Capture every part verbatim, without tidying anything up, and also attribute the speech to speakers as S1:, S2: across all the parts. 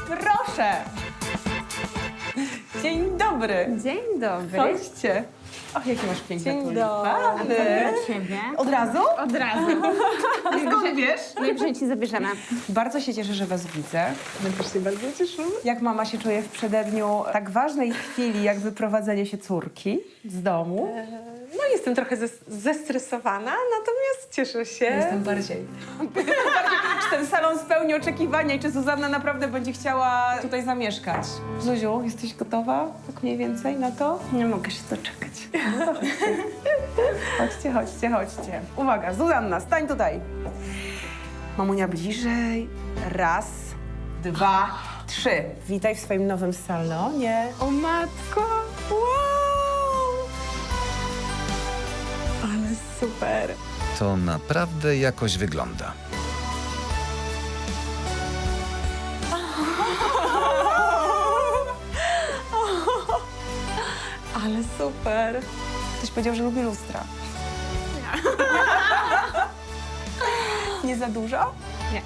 S1: Proszę. Dzień dobry.
S2: Dzień dobry.
S1: Chodźcie. Och, jakie masz piękne
S2: Dzień
S1: tulipany.
S2: Dla ciebie.
S1: Od razu?
S2: Od razu.
S1: Skąd wiesz?
S2: Najwyżej ci zabierzemy.
S1: Bardzo się cieszę, że was widzę.
S2: My też się bardzo cieszymy.
S1: Jak mama się czuje w przededniu tak ważnej chwili, jak wyprowadzenie się córki z domu?
S3: No jestem trochę zes- zestresowana, natomiast cieszę się.
S1: Jestem bardziej. bardziej. Czy ten salon spełni oczekiwania i czy Zuzanna naprawdę będzie chciała tutaj zamieszkać? Zuziu, jesteś gotowa tak mniej więcej na to?
S2: Nie mogę się doczekać.
S1: Chodźcie, chodźcie, chodźcie. Uwaga, Zuzanna, stań tutaj. Mamunia bliżej. Raz, dwa, trzy. Witaj w swoim nowym salonie.
S2: O matko! Wow! Ale super.
S4: To naprawdę jakoś wygląda.
S2: Ale super.
S1: Ktoś powiedział, że lubi lustra. Nie. Nie za dużo?
S2: Nie.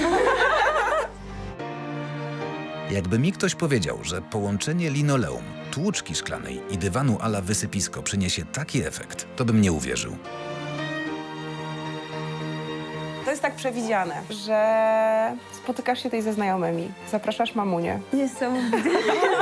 S4: Jakby mi ktoś powiedział, że połączenie linoleum, tłuczki szklanej i dywanu a la wysypisko przyniesie taki efekt, to bym nie uwierzył.
S1: To jest tak przewidziane, że spotykasz się tutaj ze znajomymi, zapraszasz mamunię.
S2: Niesamowite.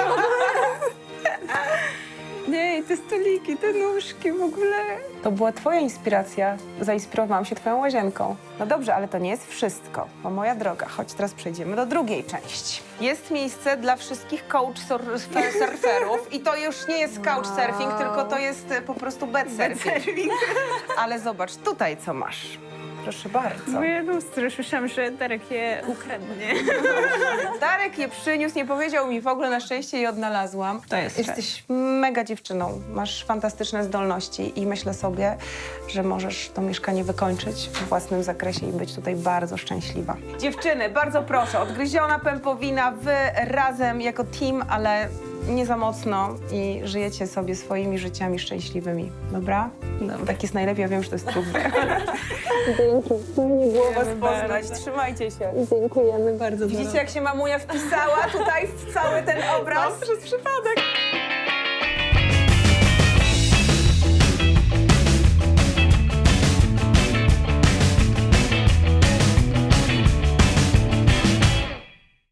S2: Nie, te stoliki, te nóżki w ogóle.
S1: To była twoja inspiracja. Zainspirowałam się twoją łazienką. No dobrze, ale to nie jest wszystko. Bo moja droga, chodź, teraz przejdziemy do drugiej części. Jest miejsce dla wszystkich couchsurferów i to już nie jest couchsurfing,
S2: Wow.
S1: tylko to jest e, po prostu bedsurfing. Ale zobacz, tutaj co masz. Proszę bardzo.
S2: Moje lustro, słyszałam, że Darek je ukradnie.
S1: Darek je przyniósł, nie powiedział mi w ogóle, na szczęście je odnalazłam.
S2: To jest
S1: Jesteś mega dziewczyną, masz fantastyczne zdolności i myślę sobie, że możesz to mieszkanie wykończyć w własnym zakresie i być tutaj bardzo szczęśliwa. Dziewczyny, bardzo proszę, odgryziona pępowina, wy razem jako team, ale nie za mocno i żyjecie sobie swoimi życiami szczęśliwymi, dobra?
S2: Dobra.
S1: Tak jest najlepiej, ja wiem, że to jest trudne.
S2: Dzięki. Nie było
S1: Was poznać, trzymajcie się.
S2: Dziękujemy bardzo.
S1: Widzicie, jak się mamunia wpisała tutaj w cały ten obraz?
S3: Przez przypadek.